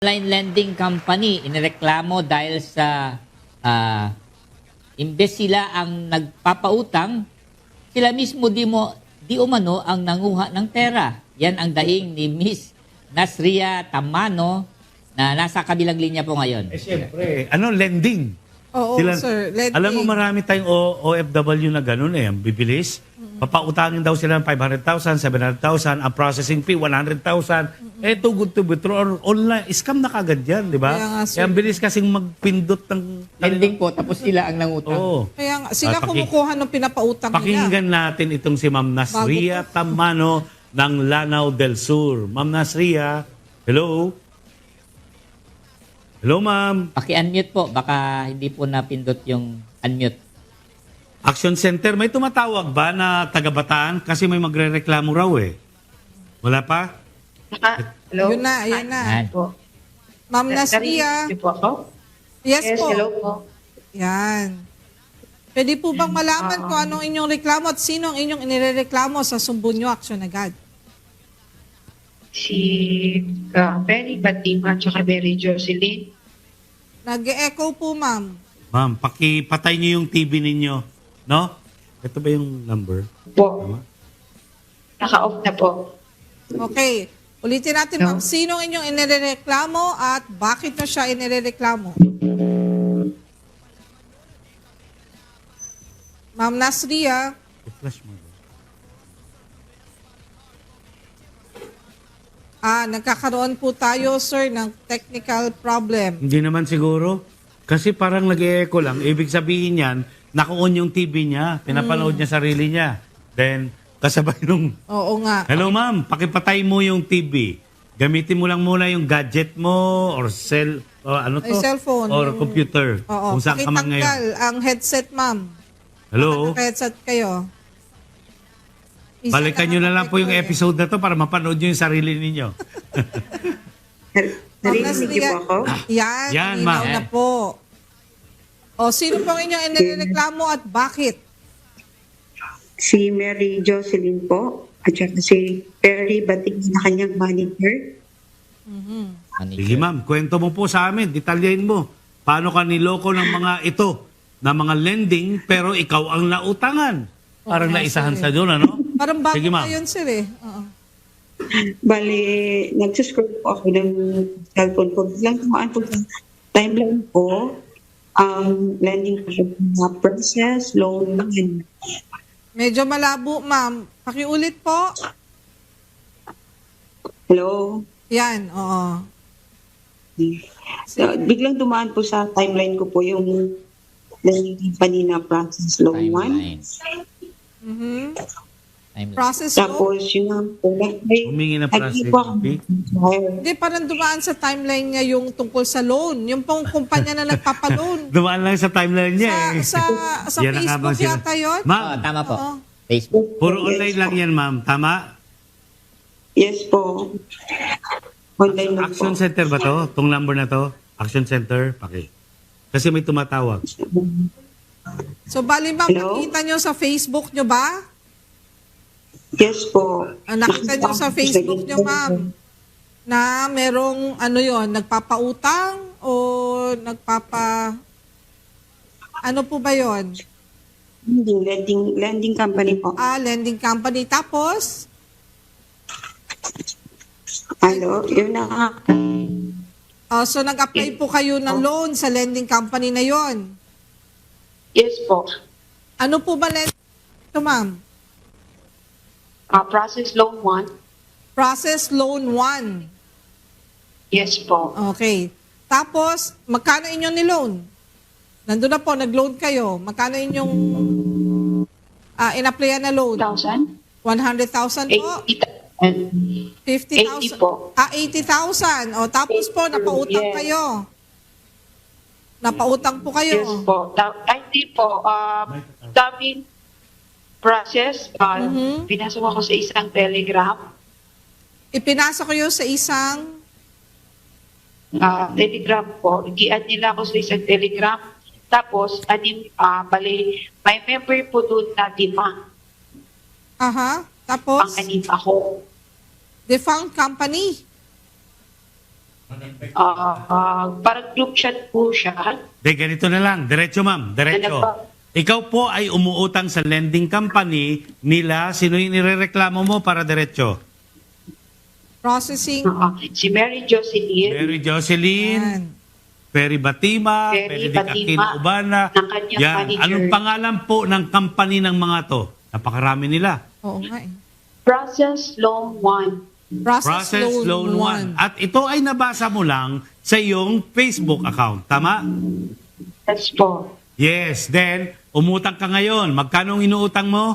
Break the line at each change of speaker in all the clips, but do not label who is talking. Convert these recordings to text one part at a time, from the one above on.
online lending company inireklamo dahil sa imbes sila ang nagpapautang, sila mismo di umano ang nanguha ng pera. Yan ang daing ni Miss Nasria Tamano na nasa kabilang linya po ngayon.
Siyempre, lending.
Oo, sir. Lending.
Alam mo, marami tayong OFW na ganun ang bibilis. Papautangin daw sila ng 500,000, 700,000, ang processing fee 100,000. Too good to be true. Or online, scam na kagad yan, di ba?
Kaya nga, sir.
Ang bilis kasing magpindot ng...
Lending po, tapos sila ang nangutang.
Oo.
Kaya nga, sila kumukuha ng pinapautang
Pakinggan
nila.
natin itong si Ma'am Nasria Tamano ng Lanao del Sur. Ma'am Nasria, hello? Hello, ma'am.
Paki-unmute po, baka hindi po napindot yung unmute.
Action Center, may tumatawag ba na taga-Bataan? Kasi may magre-reklamo raw eh. Wala pa?
Hello?
Yun na, yan na.
Yan.
Po.
Ma'am Nasria.
Narinig niyo po ako?
Yes po.
Hello po.
Yan. Pwede po bang malaman kung anong inyong reklamo at sino ang inyong inireklamo sa Sumbunyo Action agad?
Si Perry Batima at saka Mary Jocelyn.
Nag-e-echo po, ma'am.
Ma'am, pakipatay niyo yung TV ninyo. No? Ito ba yung number?
Po. Naka-off na po.
Okay. Ulitin natin, ma'am. Sino ang inyong inireklamo at bakit nyo siya inireklamo? Ma'am Nasria.
I-flash mo.
Nagkakaroon po tayo, sir, ng technical problem.
Hindi naman siguro. Kasi parang nag-e-echo lang. Ibig sabihin yan, naka-on yung TV niya. Pinapanood niya sarili niya. Then, kasabay nung...
Oo nga.
Hello ma'am, pakipatay mo yung TV. Gamitin mo lang muna yung gadget mo or
Ay, cellphone.
Or computer.
Oo.
Kung saan ka man ngayon.
Pakitanggal ang headset, ma'am.
Hello?
Naka-headset kayo.
Balikan nyo na lang po yung episode na to para mapanood nyo yung sarili ninyo.
Narinig niyo po ako?
Yan,
Yan,
malinaw
ma'am.
na po. O, sino pong inyong inireklamo at bakit?
Si Mary Jocelyn po at saka si Perry Bating na kanyang manager.
Sige ma'am, kwento mo po sa amin, detalyahin mo. Paano ka niloko ng mga ito, na mga lending, pero ikaw ang nautangan. Parang naisahan sa doon, ano?
Parang bago
Sige, ma'am.
pa yun, sir eh. Oo.
Bali, nagsuscroll po ako ng cellphone ko. Biglang tumaan po sa timeline ko, ang lending na process, loan, and
Medyo malabo, ma'am. Pakiulit po.
hello.
Yan, oo.
So, biglang tumaan po sa timeline ko po yung lending company na process loan 1.
Timeline.
Mhm.
Timeline.
Process po.
Tapos yun nga po,
Humingi ng process
po ako.
fee.
Hindi, parang dumaan sa timeline niya yung tungkol sa loan. Yung pong kumpanya na nagpapaloan.
Dumaan lang sa timeline niya eh.
Sa
Yan ang habang
Facebook
sila-
yata yun?
Ma'am,
Tama po.
Oo.
Facebook.
puro online lang yan ma'am, tama?
Yes po. Online lang po.
Action Center ba to? Tong number na to? Action Center? Kasi may tumatawag.
So, bali ma'am,
Hello?
nakita nyo sa Facebook nyo ba?
Yes po.
Nakita nyo sa Facebook nyo, ma'am, na merong nagpapautang o ano po ba yon?
Hindi, lending company po.
Lending company. Tapos,
Hello, yun na nga.
so nag-apply po kayo ng loan sa lending company na yon.
Yes po.
Ano po ba lending ito, ma'am?
Process loan 1.
Process loan 1.
Yes po.
Okay. Tapos, magkano inyong niloan? Nandun na po, nag-loan kayo. Magkano inyong in-applyan na loan?
1,000?
100,000 po?
80,000.
50,000?
80 po.
80,000. O, tapos po, napautang
Yes.
kayo. Napautang po kayo.
Yes po. Hindi po. Daming process. Pinasok ako sa isang telegram.
Ipinasa ko yun sa isang...
Telegram po. Nag-i-add nila ako sa isang telegram. Tapos, may member po doon na 5.
Aha. Tapos,
Pang-anim ako.
defunct company.
parang group chat po siya.
De, ganito na lang. Diretso, ma'am. Diretso.
Ano po?
Ikaw po ay umuutang sa lending company nila. Sino yung nirereklamo mo para diretso?
Processing.
Si Mary Jocelyn.
Mary Jocelyn,
Yan.
Perry Batima,
Perry
Benedict Aquino
Batima,
Ubana.
ng kanyang
Yan.
manager.
Anong pangalan po ng company ng mga to? Napakarami nila.
Oo nga eh.
Process Loan 1.
Process Loan 1. At ito ay nabasa mo lang sa iyong Facebook account. Tama?
Yes po.
Yes. Then, umutang ka ngayon. Magkano ang inuutang mo?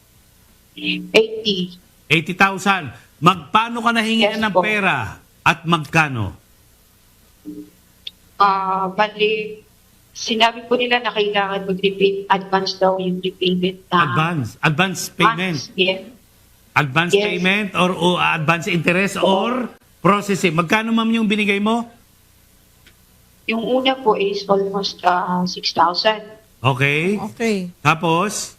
80.
80,000. Magpaano ka nahingian
Yes
ng
po.
pera? At magkano?
Bali, sinabi po nila na kailangan mag-repay advance daw yung repayment na
Advance payment.
months. Yeah.
Advance
Yes.
payment or advance interest or processing. Magkano ma'am yung binigay mo?
Yung una po is almost 6,000.
Okay.
Okay.
Tapos,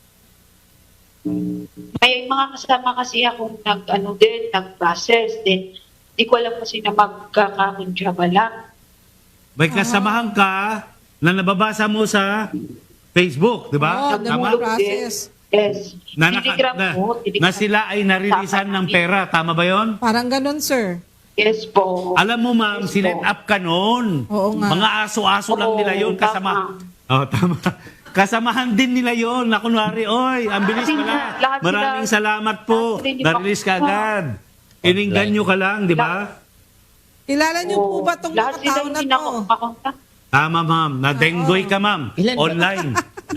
May mga kasama kasi akong nag-process. Then, di ko alam kasi na magkakakundyaba lang.
may kasamahan ka na nababasa mo sa Facebook, di ba?
Oo,
Tama?
process.
Yes.
Na,
Telegram po.
na sila ay narilisan ng pera. Tama ba yon?
Parang ganun, sir.
Yes po.
Alam mo ma'am,
Yes
sinet
po.
up ka noon.
Oo nga.
Mga aso-aso lang
Oo,
nila yon kasama. Oh, tama. Kasamahan din nila yon na kunwari, oy, ang bilis
Kasi
pala.
lahat sila-
Maraming salamat po.
lahat sila-
Na-release ka agad. Ininggan nyo ka lang, di ba?
Kilala niyo po ba itong
Lahat
mga
sila
tao na
hindi
to?
nakakontak.
Tama ma'am, na-denggoy ka ma'am.
Ilan ba?
Online.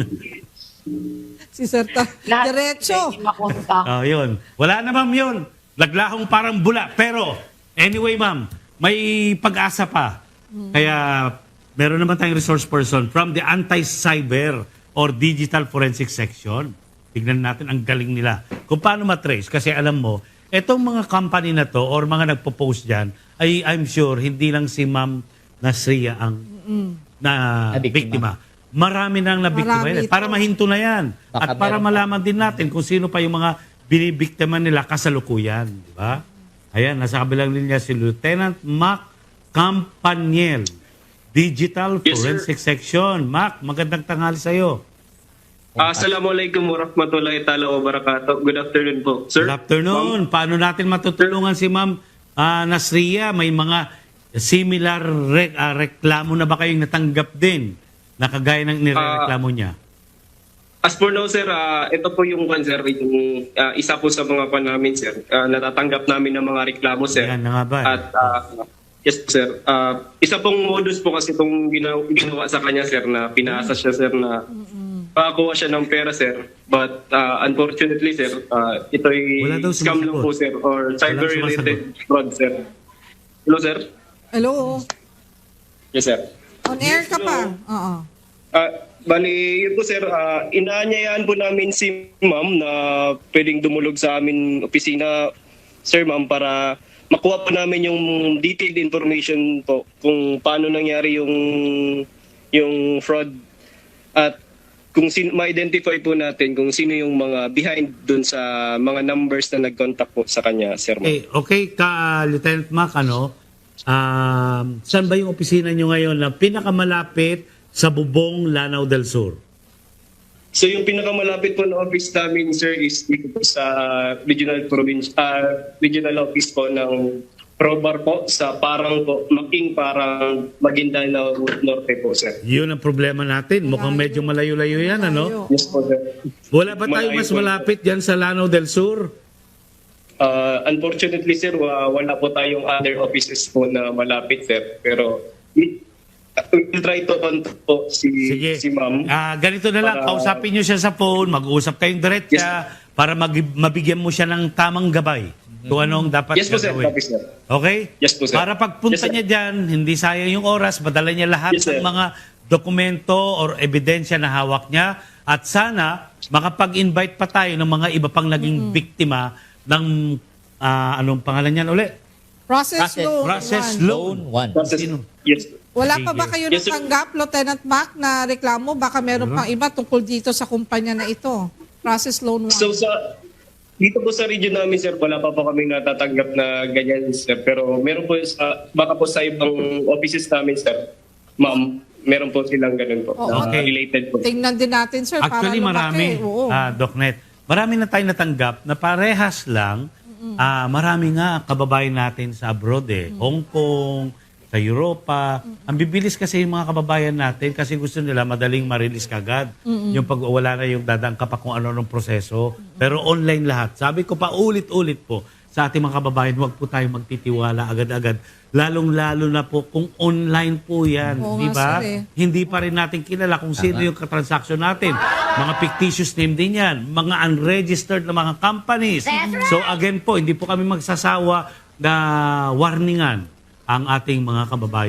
Si Sir
Lahat
Diretso.
sila hindi makontak.
Oh, yun. Wala na ma'am yun. Naglahong parang bula. Pero, anyway ma'am, may pag-asa pa. Kaya, meron naman tayong resource person from the anti-cyber or digital forensic section. Tignan natin ang galing nila. Kung paano matrace. Kasi alam mo, etong mga company na to or mga nagpo-post dyan, ay I'm sure hindi lang si Ma'am Nasria ang na
Nabiktima.
biktima. Marami nang nabiktima
Marami
yan. Para
ito.
mahinto na yan.
Baka
At para
meron pa.
malaman din natin kung sino pa yung mga binibiktima nila kasalukuyan. Di ba? Ayan, nasa kabilang linya si Lieutenant Mac Campaniel, Digital
Yes, sir.
Forensic Section. Mac, magandang tanghali sa'yo.
Assalamualaikum warahmatullahi ta'ala wabarakatuh. Good afternoon po, sir.
Good afternoon. Paano natin matutulungan si Ma'am Nasria? May mga similar reklamo na ba kayong natanggap din na kagaya ng nirereklamo niya?
As for now, sir, ito po yung sir, yung, isa po sa mga pan namin, sir. Natatanggap namin ng mga reklamo, sir.
Yan na nga ba?
At yes, sir. Isa pong modus po kasi itong ginawa sa kanya, sir, na pinaasa siya, sir, na pakakuha siya ng pera, sir. But unfortunately, sir, ito'y
Wala daw
scam lang
sumasagot.
po, sir, or cyber-related fraud, sir. Hello, sir?
Hello?
Yes, sir.
On air ka pa? Oo.
Bali, yun po sir, inaanyayaan po namin si ma'am na pwedeng dumulog sa amin opisina, sir ma'am, para makuha po namin yung detailed information po kung paano nangyari yung fraud at kung ma-identify po natin kung sino yung mga behind dun sa mga numbers na nag-contact po sa kanya, sir ma'am.
Okay ka, Lieutenant Mac, saan ba yung opisina nyo ngayon na pinakamalapit sa Bubong, Lanao del Sur?
So yung pinakamalapit po na office namin, sir, is dito po sa regional office po ng Probar po sa Parang po, Parang, Maguindanao Norte po, sir.
Yun ang problema natin. Mukhang medyo malayo-layo yan, ano?
Yes po, sir.
Wala ba tayo
Malayo
mas
po.
malapit dyan sa Lanao del Sur?
Unfortunately, sir, wala po tayong other offices po na malapit, sir. Pero we'll try to contact po si ma'am.
Ganito na lang,
Para-
kausapin nyo siya sa phone, mag-uusap kayong diretsa para mabigyan mo siya ng tamang gabay kung anong dapat
Yes po, sir.
gagawin.
Copy, sir.
Okay?
Yes po, sir.
Para pagpunta
Yes, sir.
niya dyan, hindi sayang yung oras, madala niya lahat
Yes, sir.
ng mga dokumento or ebidensya na hawak niya at sana makapag-invite pa tayo ng mga iba pang naging biktima ng anong pangalan niyan uli?
Process loan.
Process
one.
loan.
Loan 1.
Process-
Sino?
Yes.
Wala pa
Sige.
ba kayo
Yes, sir.
natanggap, Lieutenant Mac, na reklamo? Baka meron pang iba tungkol dito sa kumpanya na ito. Process loan 1.
So Dito po sa region namin, sir, wala pa po kami natatanggap na ganyan, sir. Pero meron po baka po sa ibang offices namin, sir, ma'am, meron po silang ganun po.
Oo.
na
Okay.
Related po.
Tingnan din natin, sir,
Actually,
para lumaki.
marami,
Oo.
Docnet, marami na tayo natanggap na parehas lang. Marami nga kababayan natin sa abroad Hong Kong, sa Europa. Ang bibilis kasi yung mga kababayan natin kasi gusto nila madaling ma-release kagad. Yung pag wala na yung dadangka pa kung ano-anong proseso. Pero online lahat. Sabi ko pa ulit-ulit po sa ating mga kababayan, huwag po tayo magtitiwala agad-agad. Lalong-lalo na po kung online po yan.
Oo
Di
nga,
ba?
sir,
Hindi pa rin natin kilala kung sino yung katransaksyon natin. Mga fictitious name din yan. Mga unregistered na mga companies. So again po, hindi po kami magsasawa na warningan ang ating mga kababayan.